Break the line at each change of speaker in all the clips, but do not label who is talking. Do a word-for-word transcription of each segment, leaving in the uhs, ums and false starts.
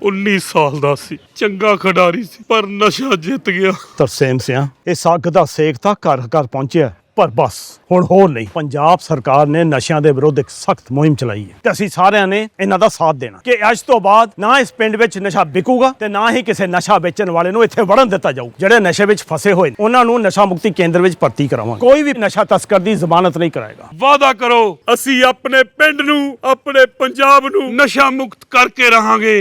उन्नीस साल दा सी, चंगा खिडारी सी, पर नशा जित गया।
ਤਰਸੇਮ ਸਿਆ ਇਸ ਅੱਗ ਦਾ ਸੇਕ ਤਾਂ ਘਰ ਘਰ ਪਹੁੰਚਿਆ, ਪਰ ਬਸ ਹੁਣ ਹੋਰ ਨਹੀਂ। ਪੰਜਾਬ ਸਰਕਾਰ ਨੇ ਨਸ਼ਿਆਂ ਦੇ ਵਿਰੁੱਧ ਇੱਕ ਸਖਤ ਮੁਹਿੰਮ ਚਲਾਈ ਹੈ ਤੇ ਅਸੀਂ ਸਾਰਿਆਂ ਨੇ ਇਹਨਾਂ ਦਾ ਸਾਥ ਦੇਣਾ ਕਿ ਅੱਜ ਤੋਂ ਬਾਅਦ ਨਾ ਇਸ ਪਿੰਡ ਵਿੱਚ ਨਸ਼ਾ ਵਿਕੂਗਾ ਤੇ ਨਾ ਹੀ ਕਿਸੇ ਨਸ਼ਾ ਵੇਚਣ ਵਾਲੇ ਨੂੰ ਇੱਥੇ ਵੜਨ ਦਿੱਤਾ ਜਾਊ। ਜਿਹੜੇ ਨਸ਼ੇ ਵਿੱਚ ਫਸੇ ਹੋਏ ਨੇ ਉਹਨਾਂ ਨੂੰ ਨਸ਼ਾ ਮੁਕਤੀ ਕੇਂਦਰ ਵਿੱਚ ਭਰਤੀ ਕਰਾਵਾਂਗੇ। ਕੋਈ ਵੀ ਨਸ਼ਾ ਤਸਕਰ ਦੀ ਜ਼ਮਾਨਤ ਨਹੀਂ ਕਰਾਏਗਾ।
वादा करो ਅਸੀਂ ਆਪਣੇ ਪਿੰਡ ਨੂੰ, ਆਪਣੇ ਪੰਜਾਬ ਨੂੰ ਨਸ਼ਾ ਮੁਕਤ ਕਰਕੇ ਰਹਾਂਗੇ।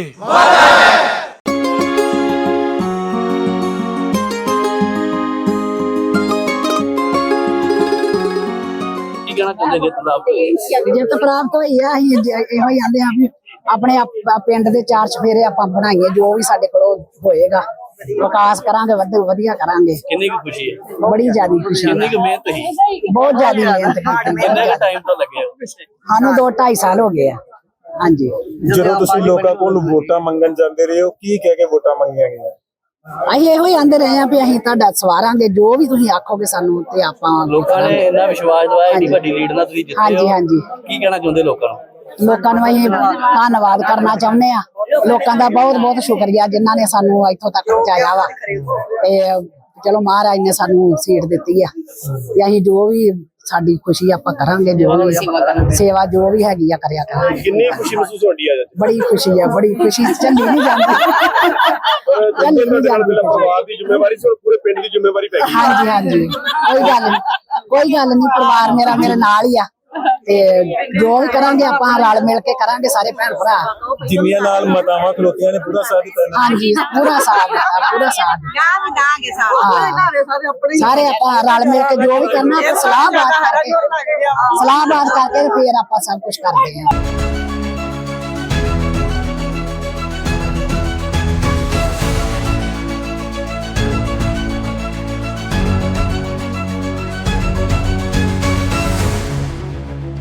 ਜਿੱਤ ਪ੍ਰਾਪਤ ਹੋਈ ਆ। ਅਸੀਂ ਇਹੋ ਹੀ ਆਂਦੇ ਆ ਵੀ ਆਪਣੇ ਪਿੰਡ ਦੇ ਚਾਰ ਚਫੇਰੇ ਆਪਾਂ ਬਣਾਈਏ, ਜੋ ਵੀ ਸਾਡੇ ਕੋਲ ਹੋਏਗਾ ਵਿਕਾਸ ਕਰਾਂਗੇ, ਵਧੀਆ ਕਰਾਂਗੇ।
ਕਿੰਨੀ ਕੁ ਖੁਸ਼ੀ ਹੈ?
ਬੜੀ ਜ਼ਿਆਦਾ ਖੁਸ਼ੀ।
ਕਿੰਨੀ ਕੁ ਮਿਹਨਤ ਹੀ?
ਬਹੁਤ ਜ਼ਿਆਦਾ ਮਿਹਨਤ ਕੀਤੀ।
ਕਿੰਨਾ ਕੁ ਟਾਈਮ ਤਾਂ ਲੱਗਿਆ?
ਸਾਨੂੰ ਦੋ ਢਾਈ ਸਾਲ ਹੋ ਗਏ ਆ। ਹਾਂਜੀ,
ਜਦੋਂ ਤੁਸੀਂ ਲੋਕਾਂ ਕੋਲ ਵੋਟਾਂ ਮੰਗਣ ਜਾਂਦੇ ਰਹੇ ਹੋ, ਕੀ ਕਹਿ ਕੇ ਵੋਟਾਂ ਮੰਗੀਆਂ ਗਈਆਂ?
ਅਸੀਂ ਇਹੋ ਹੀ ਆਂਦੇ ਰਹੇ ਆ ਵੀ ਅਸੀਂ ਤੁਹਾਡਾ ਸਵਾਰਾਂਗੇ, ਜੋ ਵੀ ਤੁਸੀਂ ਆਖੋਗੇ ਸਾਨੂੰ ਤੇ ਆਪਾਂ।
ਲੋਕਾਂ ਨੇ ਇੰਨਾ ਵਿਸ਼ਵਾਸ ਦਵਾਇਆ, ਇੰਨੀ ਵੱਡੀ ਲੀਡ ਨਾਲ ਤੁਸੀਂ ਜਿੱਤੇ ਹੋ।
ਹਾਂਜੀ ਹਾਂਜੀ,
ਕੀ ਕਹਿਣਾ ਚਾਹੁੰਦੇ ਲੋਕਾਂ ਨੂੰ?
ਲੋਕਾਂ ਨੂੰ ਅਸੀਂ ਧੰਨਵਾਦ ਕਰਨਾ ਚਾਹੁੰਦੇ ਆ। ਲੋਕਾਂ ਦਾ ਬਹੁਤ ਬਹੁਤ ਸ਼ੁਕਰੀਆ ਜਿਨ੍ਹਾਂ ਨੇ ਸਾਨੂੰ ਇੱਥੋਂ ਤੱਕ ਪਹੁੰਚਾਇਆ ਵਾ। ਤੇ ਚਲੋ ਮਹਾਰਾਜ ਨੇ ਸਾਨੂੰ ਸੀਟ ਦਿੱਤੀ ਆ ਤੇ ਅਸੀਂ ਜੋ ਵੀ ਸਾਡੀ ਖੁਸ਼ੀ ਆਪਾਂ ਕਰਾਂਗੇ, ਜੋ ਵੀ ਸੇਵਾ ਜੋ ਵੀ ਹੈਗੀ ਆ ਕਰਿਆ ਕਰਾਂਗੇ।
ਕਿੰਨੀ ਖੁਸ਼ੀ ਮਹਿਸੂਸ ਹੁੰਦੀ ਹੈ?
ਬੜੀ ਖੁਸ਼ੀ ਆ, ਬੜੀ ਖੁਸ਼ੀ। ਚੱਲੀ ਨਹੀਂ ਜਾਂਦੀ, ਚੱਲੀ ਨਹੀਂ ਜਾਂਦੀ।
ਪਰਿਵਾਰ ਦੀ ਜ਼ਿੰਮੇਵਾਰੀ ਸੀ, ਪੂਰੇ ਪਿੰਡ ਦੀ ਜ਼ਿੰਮੇਵਾਰੀ ਪੈ ਗਈ।
ਹਾਂਜੀ ਹਾਂਜੀ, ਕੋਈ ਗੱਲ ਨਹੀਂ, ਕੋਈ ਗੱਲ ਨਹੀਂ। ਪਰਿਵਾਰ ਮੇਰਾ ਮੇਰੇ ਨਾਲ ਹੀ ਆ ਤੇ ਜੋ ਵੀ ਕਰਾਂਗੇ ਆਪਾਂ ਰਲ ਮਿਲ ਕੇ ਕਰਾਂਗੇ, ਸਾਰੇ ਭੈਣ ਭਰਾ।
ਜਿੰਨੀਆਂ ਨਾਲ ਮਾਤਾਵਾਂ ਖਲੋਤੀਆਂ ਨੇ ਪੂਰਾ ਸਾਥ ਦਿੱਤਾ।
ਹਾਂਜੀ, ਪੂਰਾ ਸਾਥ ਦਿੱਤਾ, ਪੂਰਾ ਸਾਥ ਦਿੱਤਾ। ਸਾਰੇ ਆਪਾਂ ਰਲ ਮਿਲ ਕੇ ਜੋ ਵੀ ਕਰਨਾ ਆਪਾਂ ਸਲਾਹ ਬਾਤ ਕਰਕੇ, ਸਲਾਹ ਬਾਤ ਕਰਕੇ ਫਿਰ ਆਪਾਂ ਸਭ ਕੁਝ ਕਰਦੇ ਹਾਂ।